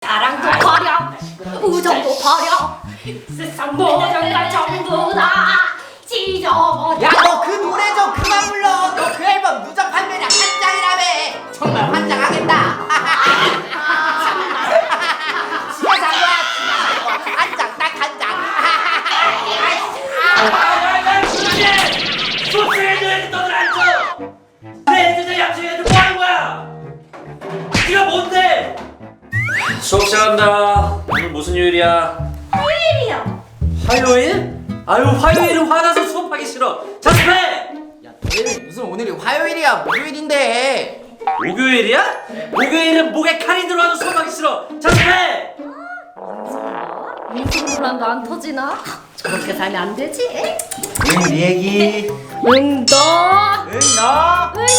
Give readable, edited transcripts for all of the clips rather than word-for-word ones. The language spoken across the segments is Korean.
사랑도 버려 우정도 버려 세상 모든 걸 전부 다 찢어버려. 야, 너 그 노래 좀 그만 불러. 너 그 앨범 누적 판매량 한 장이라며. 정말 환장하겠다. 지가 산 거야. 한 장, 딱 한 장. 소스레드에서 너들 안 줘! 내 애들 양식애들 뭐 하는 거야? 네가 뭔데? 수업 시작한다. 오늘 무슨 요일이야? 화요일이요. 화요일? 아유, 화요일은 화나서 수업하기 싫어. 자습해! 야, 너희는 무슨 오늘이 화요일이야, 목요일인데. 목요일이야? 목요일은 목에 칼이 들어와도 수업하기 싫어. 자습해! 인생논란도 안 터지나? 저렇게 살면 안 되지. 응, 네 얘기. 응도 응, 너. 응도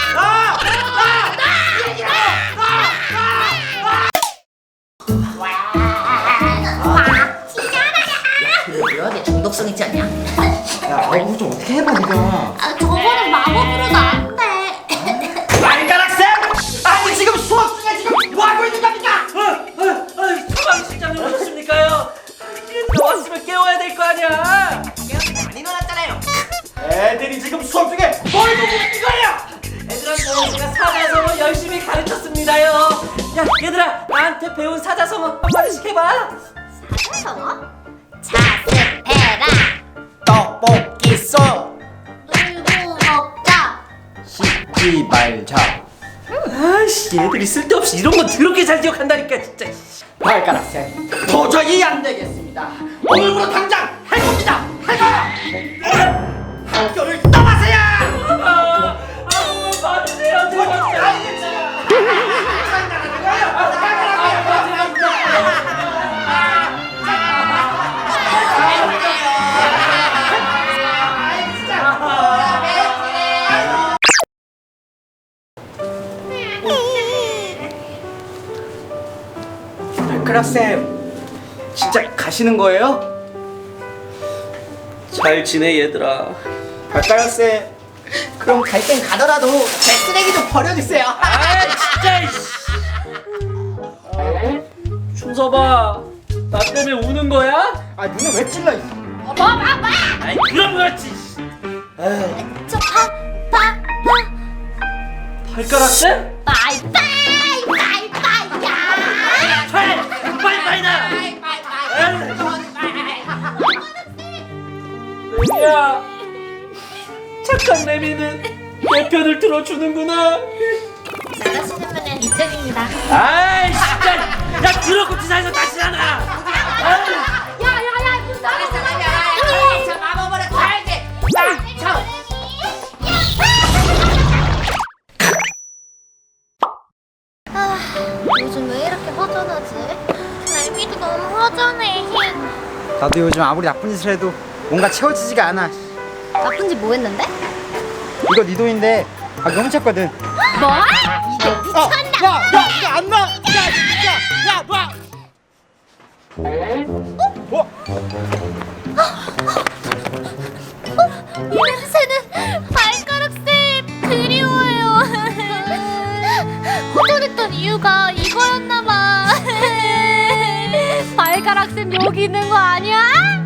뭐야, 내 중독성 있지 않냐? 야, 너 이거 좀 어떻게 해봐, 네가. 아, 저거는 마법으로도 안 돼. 발가락쌤! 아니, 지금 수업 중에 지금 뭐 하고 있는 겁니까? 소방 실장님 오셨습니까요? 나왔으면 깨워야 될 거 아니야. 안 일어났잖아요. 애들이 지금 수업 중에 뭘 보고 있는 거예요? 애들한테 제가 사자성어 열심히 가르쳤습니다요. 야, 얘들아, 나한테 배운 사자성어 한 마디씩 해봐. 사자성어? 자습해라. 떡볶이 쏘. 놀고 먹자. 씻지 말자. 아이씨, 얘들이 쓸데없이 이런 거 더럽게 잘 기억한다니까 진짜. 발가락쌤, 도저히 안 되겠습니다. 오늘부로 당장 할 겁니다. 할 거야. 학교를 떠나세요. 맞으세요, 제발. 발가락쌤, 진짜 가시는 거예요? 잘 지내 얘들아. 발가락쌤, 그럼 갈 땐 가더라도 제 쓰레기 좀 버려주세요. 아 진짜. 준서봐, 나 때문에 우는 거야? 아, 눈에 왜 찔러? 아이 그럼 그렇지. 저 발가락 쌤? 빠이빠이야. 빠이빠이다. 레미야, 착한 레미는 내 편을 들어주는구나. 나가시는 이쪽입니다. 아이 진짜. 야, 더럽고 지사에서 다시 나가. 야야야, 저 마법으로 달게. 요즘 왜 이렇게 허전하지? 날미도 너무 허전해. 나도 요즘 아무리 나쁜 짓을 해도 뭔가 채워지지가 않아. 나쁜 짓 뭐 했는데? 이거 네 돈인데 너무 훔쳤거든. 뭐? 이게 미쳤나? 야, 이거 안 놔! 야, 놔! 이 냄새는 발가락쌤 그리워요. 허전했던 이유가 이거였나봐. 발가락쌤 여기 있는 거 아니야?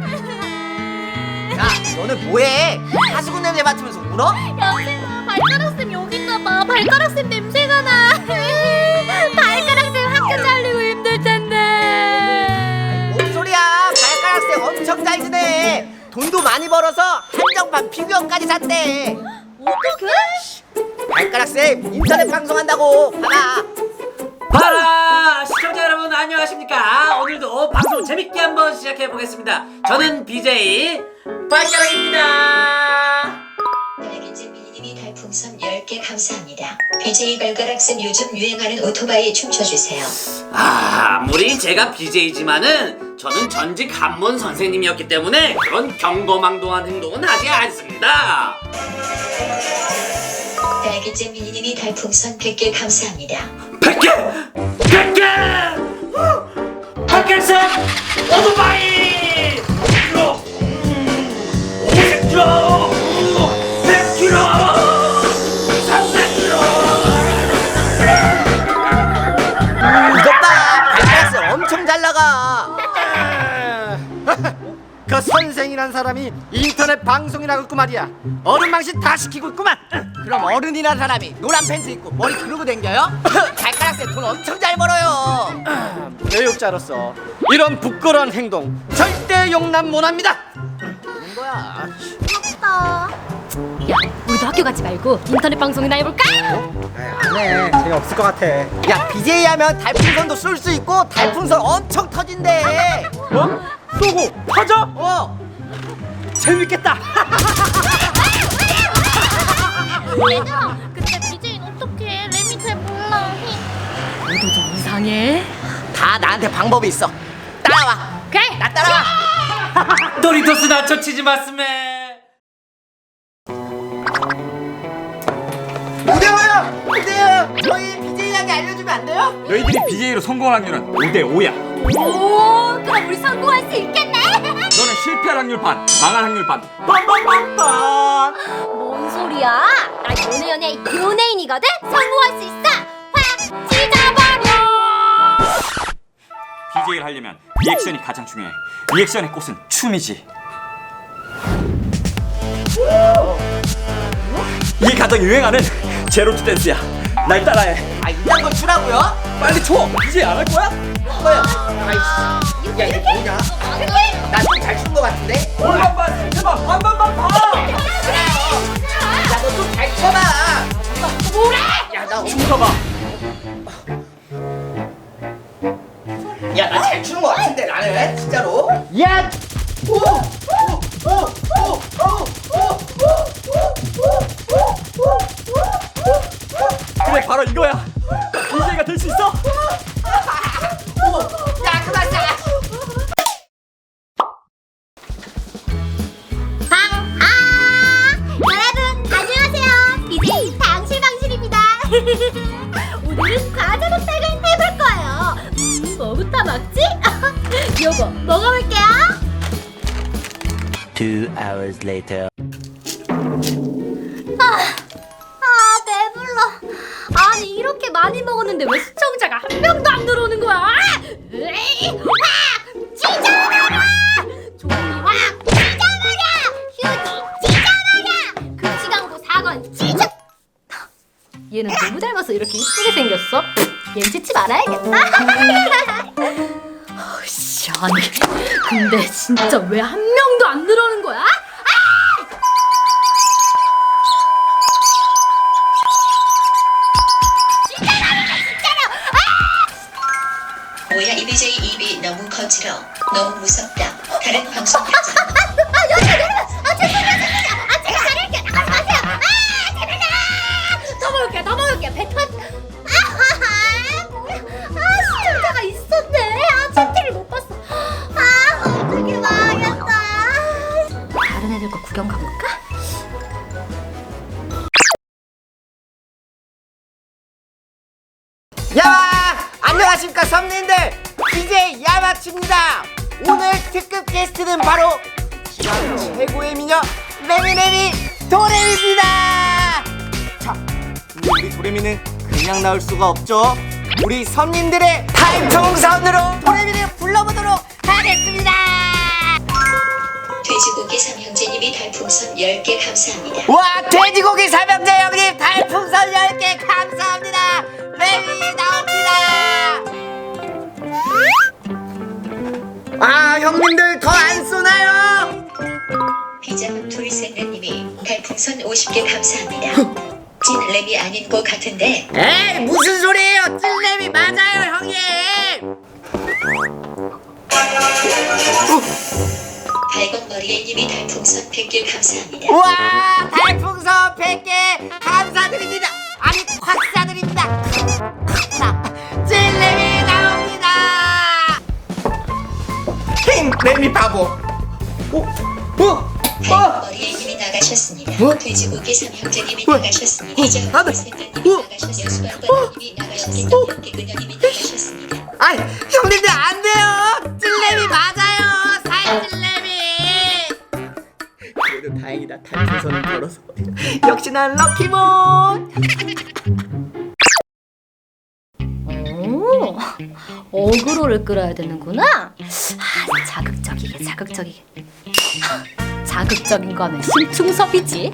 야, 너는 뭐해? 하수구 냄새 맡으면서 울어? 여보세요, 발가락쌤 여기 있나봐. 발가락쌤 냄새가 나. 발가락쌤 학교 잘리고 힘들 텐데. 뭔 소리야? 발가락쌤 엄청 잘 지내. 돈도 많이 벌어서 한정판 피규어까지 샀대. 어떡해? 발가락쌤 인터넷 방송한다고. 봐라. 봐라, 시청자 여러분 안녕하십니까? 오늘도 방송 재밌게 한번 시작해 보겠습니다. 저는 BJ 발가락입니다. 백인진 미니님이 달풍선 10개 감사합니다. BJ 발가락쌤 요즘 유행하는 오토바이 춤춰주세요. 아무리 제가 BJ지만은 저는 전직 한문 선생님이었기 때문에 그런 경거망동한 행동은 하지 않습니다. 백인진 미니님이 달풍선 100개 감사합니다. 100개! 100개! 발가락쌤 오토바이! 50kg! 100kg! 300kg! 이것 봐. 발가락쌤 저 선생이란 사람이 인터넷 방송이라고 있고 말이야. 어른 망신 다 시키고 있구만. 그럼 어른이란 사람이 노란 팬츠 입고 머리 그러고 댕겨요? 발가락쌤 돈 엄청 잘 벌어요. 교육자로서 이런 부끄러운 행동 절대 용납 못합니다. 뭔 거야? 귀엽다. 야, 우리도 학교 가지 말고 인터넷 방송이나 해볼까? 안해 재미없을 것 같아. 야, BJ 하면 달풍선도 쏠 수 있고 달풍선 엄청 터진대. 뭐? 쏘고 터져? 재밌겠다. 얘들아, 근데 BJ는 어떡해? 램이 잘 몰라. 너도 좀 이상해. 다 나한테 방법이 있어. 따라와. 그래. 나 따라와. 도리토스 나초 치즈 마스메. 무대호요, 무대호. 저희 BJ 이야기 알려주면 안 돼요? 너희들이 BJ로 성공할 확률은 5대5야. 오, 그럼 우리 성공할 수 있겠네. 너는 실패할 확률 반, 망할 확률 반. 뭔 소리야? 나 연예인이거든. 성공할 수 있어. 확 찢어버려. BJ를 하려면 리액션이 가장 중요해. 리액션의 꽃은 춤이지. 이게 가장 유행하는 제로투 댄스야. 날 따라해. 아, 이딴 걸 추라고요? 빨리 춰. BJ 안 할 거야? 뭐야? 아이씨. 야, 이거 뭐냐? 나 좀 잘 춘 거 같은데? 올만 봐, 제발 반반반 봐. 야, 너 좀 잘 쳐봐. 뭐래? 야, 나 춤춰봐. 야, 나 잘 추는 거 같은데 나는 진짜로. 야. 그래 바로 이거야. BJ가 될 수 있어? 야, 그만 싸. 여러분 안녕하세요. BJ 방실방실입니다. 오늘은 과자 먹방을 해볼 거예요. 뭐부터 먹지? 요거 먹어볼게요. 2 hours later. 배불러. 아니 이렇게 많이 먹었는데 왜 시청자가 한 명도 안 들어오는 거야? 확 찢어버려! 종이 확 찢어버려! 휴지 찢어버려! 금시광고 사건 찢어! 얘는 누구 닮아서 이렇게 이쁘게 생겼어? 얘는 찢지 말아야겠다. 씨, 아니 근데 진짜 왜 한 명도 안 들어오는 거야? 뭐야 이 BJ 입이 너무 거칠어. 너무 무섭다. 다른 방송 편집. 제가 잘할게요. 나가세요. 제발요. 더 먹을게요. 배 터지. 뭐야? 시청자가 있었네. 채팅을 못 봤어. 어떻게 망했다. 다른 애들 거 구경 가볼까? 야마! 안녕하십니까 선민들. BJ 야마치입니다. 오늘 특급 게스트는 바로 지방 최고의 미녀 레미레미 도레미입니다. 자, 근데 우리 도레미는 그냥 나올 수가 없죠. 우리 선민들의 달청선으로 도레미를 불러보도록 하겠습니다. 돼지고기 삼형제님이 달풍선 10개 감사합니다. 와, 돼지고기 삼형제 형님 달풍선 10개 감사합니다. 레미 나옵니다. 아, 형님들 더 안 쏘나요? 비자금 둘셋넷님이 달풍선 50개 감사합니다. 찐 랩이 아닌 것 같은데. 에이, 무슨 소리예요? 찔레미 맞아요, 형님. 발광머리애님이 달풍선 100개 감사합니다. 우와, 달풍선 100개 감사드립니다. 아니, 콱 사드립니다. 찔레미 나옵니다. 힘, 레미 바보. 발광머리애님이 나가셨습니다. 돼지고기 삼형제님이 나가셨습니다. 비자금 둘셋넷님이 나가셨습니다. 수박바다님이 나가셨습니다. 백그녀님이 나가셨습니다. 아이, 형님들 안 돼요. 찔레미 맞아요. 살찔레미. 그래도 다행이다. 달풍선을 걸어서. 역시 난 럭키몬. 오, 어그로를 끌어야 되는구나. 자극적이게. 자극적인 거는 심충섭이지.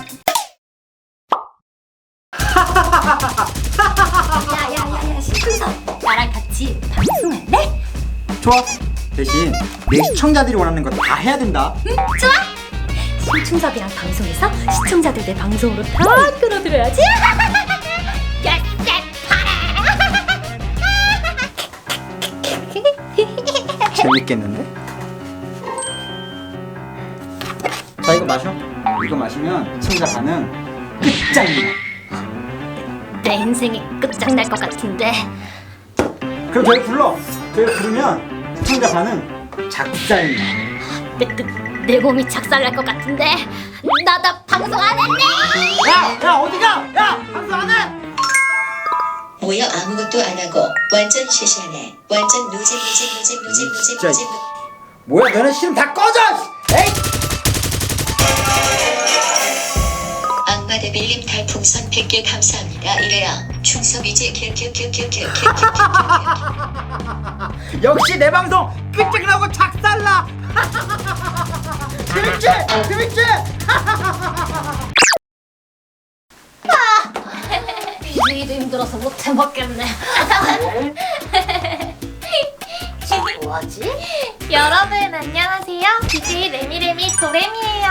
야야야야 심충섭, 나랑 같이 방송할래? 좋아. 대신 내 시청자들이 원하는 거 다 해야 된다. 응, 좋아. 심충섭이랑 방송해서 시청자들 내 방송으로 다 끌어들여야지. 재밌겠는데? 자, 이거 마셔. 이거 마시면 시청자 반응 끝장이야. 내 인생이 끝장날 것 같은데. 그럼 저희 불러. 저희 부르면 시청자 반응 작살나. 내 몸이 작살날 것 같은데. 나 방송 안 했네. 야 어디가? 야 방송 안 해? 뭐야 아무것도 안 하고 완전 시시하네. 완전 노잼. 진짜. 뭐야, 너네 싫으면 다 꺼져. 에이. 악마 데빌님 달풍선 100개 감사합니다. 이래야 충섭이지 큐큐큐큐큐큐큐큐큐. 역시 내 방송 끝장나고 작살나. 재밌지? BJ도 힘들어서 못 해먹겠네. 뭐하지? 여러분 안녕하세요. BJ 레미레미 도레미예요.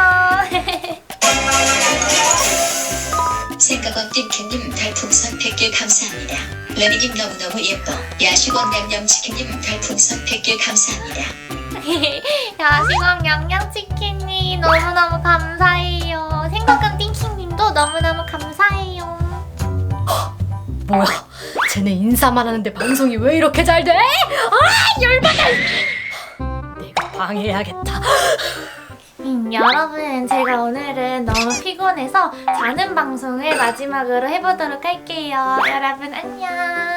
생각원 띵캔님 달풍선 100개 감사합니다. 레미님 너무너무 예뻐. 야식원 냠냠치킨님 달풍선 100개 감사합니다. 야식왕 양양치킨님 너무너무 감사해요. 생각원 띵킹님도 너무너무 감사해요. 뭐야? 쟤네 인사만 하는데 방송이 왜 이렇게 잘 돼? 열받아! 내가 방해해야겠다. 여러분 제가 오늘은 너무 피곤해서 자는 방송을 마지막으로 해보도록 할게요. 여러분 안녕.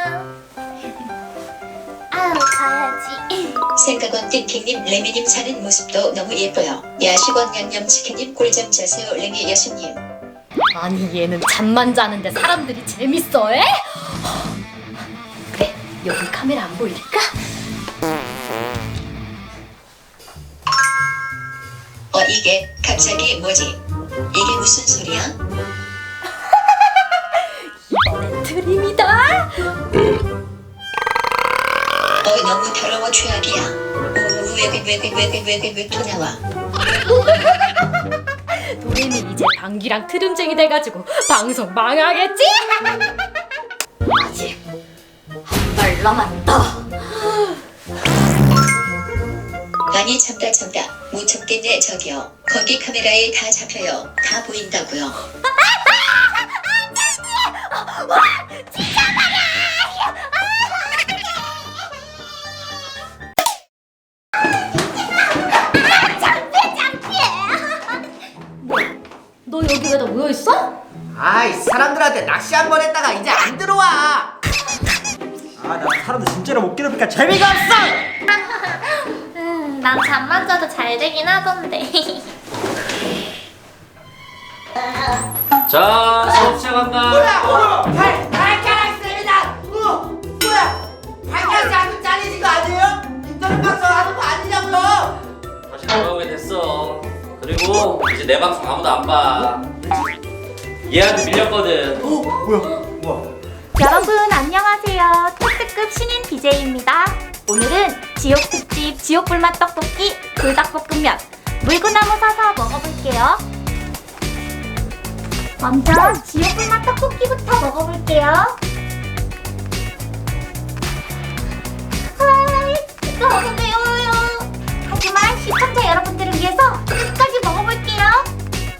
아우 자야지. 생각원 띵킹님 레미님 사는 모습도 너무 예뻐요. 야식원 냠냠치킨님 꿀잠 자세요. 레미 여수님. 아니 얘는 잠만 자는데 사람들이 재밌어 해? 그래 여기 카메라 안 보이니까. 이게 갑자기 뭐지? 이게 무슨 소리야? 이번엔 트림이다. 너무 더러워 최악이야. 왜 또 나와? 도레미 이제 방귀랑 트림쟁이 돼가지고 방송 망하겠지? 아직 한 발 남았다. 아니 참다 못 참겠네. 저기요 거기 카메라에 다 잡혀요. 다 보인다고요. 너 여기 왜 다 모여있어? 아이 사람들한테 낚시 한 번 했다가 이제 안 들어와. 나 사람들 진짜로 못 괴롭히니까 재미가 없어. 난 잠만 자도 잘 되긴 하던데. 자, 수업 시작한다. 발가락 쌤이다. 뭐야? 발가락이 아주 잘리는 거 아니에요? 인터넷 방송 하는 거 아니냐고요? 다시 돌아오게 됐어. 그리고 이제 내 방송 아무도 안 봐. 얘한테 밀렸거든. 뭐야? 여러분 안녕하세요. 특급 신인 BJ입니다. 오늘은 지옥 특집 지옥불맛 떡볶이 불닭볶음면 물구나무 사서 먹어볼게요. 먼저 지옥불맛 떡볶이부터 먹어볼게요. 너무 매워요. 하지만 시청자 여러분들을 위해서 끝까지 먹어볼게요.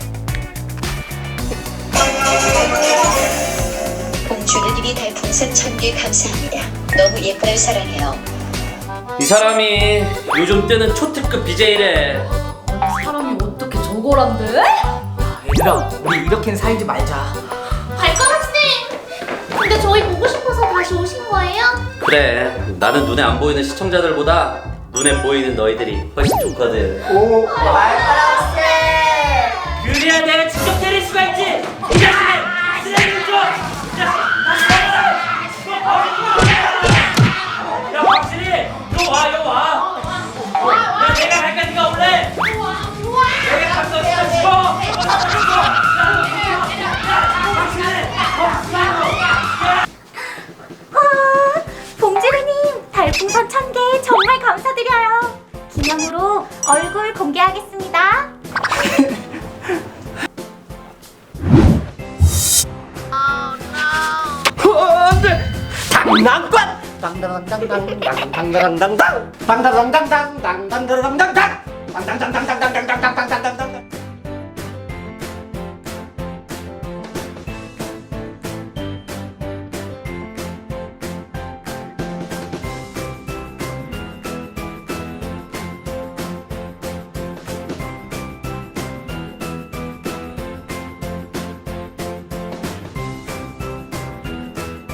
공주느님이 달풍선 1000개 감사합니다. 너무 예뻐요. 사랑해요. 이 사람이 요즘 뜨는 초특급 BJ래. 사람이 어떻게 저거란데? 얘들아 우리 이렇게는 살지 말자. 발가락쌤! 근데 저희 보고 싶어서 다시 오신 거예요? 그래, 나는 눈에 안 보이는 시청자들보다 눈에 보이는 너희들이 훨씬 좋거든. 그래야 내가 직접 때릴 수가 있지. 이 자식을 쓰레기를 줘. 당당당당당 당당당당당 당당당당당 당당당당당 당당당당당당당당당당